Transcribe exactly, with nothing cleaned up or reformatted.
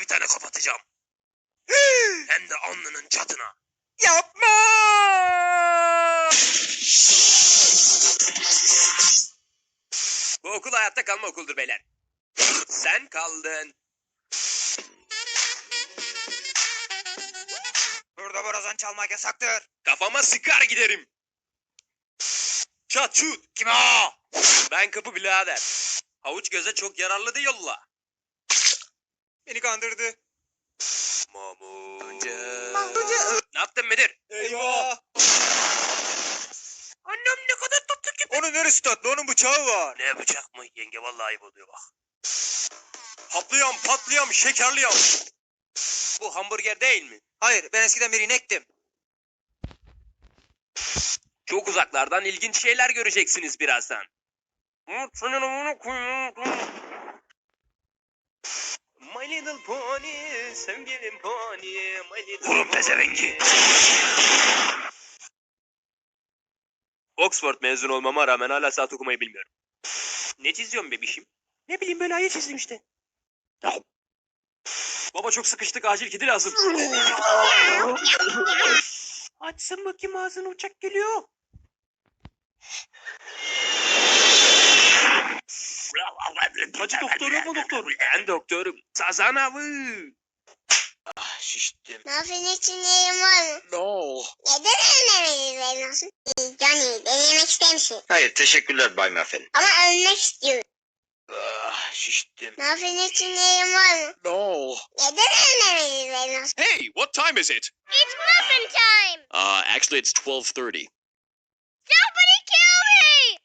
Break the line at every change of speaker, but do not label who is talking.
bir tane kapatacağım. Hem de alnının çatına.
Yapma!
Bu okul hayatta kalma okuldur beyler. Sen kaldın.
Burada borazan çalmak yasaktır.
Kafama sıkar giderim. Çat çut.
Kim o?
Ben kapı birader. Havuç göze çok yararlı değil yolla.
Beni kandırdı.
Mahmut.
Mahmut.
Ne yaptın müdür?
Eyvah!
Annem ne kadar tatlı ki.
Onun neresi tatlı? Onun bıçağı var.
Ne bıçak mı? Yenge vallahi ayıp oluyor bak. Haplıyorum, patlıyorum, şekerliyorum. Bu hamburger değil mi?
Hayır, ben eskiden bir inektim.
Çok uzaklardan ilginç şeyler göreceksiniz birazdan. My little pony, sevgilim pony, my little Vurun pezevengi. Oxford mezun olmama rağmen hala saat okumayı bilmiyorum. Ne çiziyorsun bebişim? Ne bileyim böyle ayı çizdim işte. Baba çok sıkıştık, acil kedi lazım. Açsın bakayım ağzını, uçak geliyor. Hacı doktor yok mu doktor? Ben doktorum. Sazan avı.
Ah, şiştim.
Muffin için yerim var mı?
No.
Neden ölmemeliyiz benim olsun? Johnny, denemek ister misin?
Hayır, teşekkürler Bay Muffin.
Ama ölmek istiyorum.
Ah, şiştim.
Muffin için yerim var mı?
No.
Neden ölmemeliyiz benim olsun?
Hey, what time is it?
It's muffin time!
Uh, actually, it's twelve thirty.
Somebody kill me!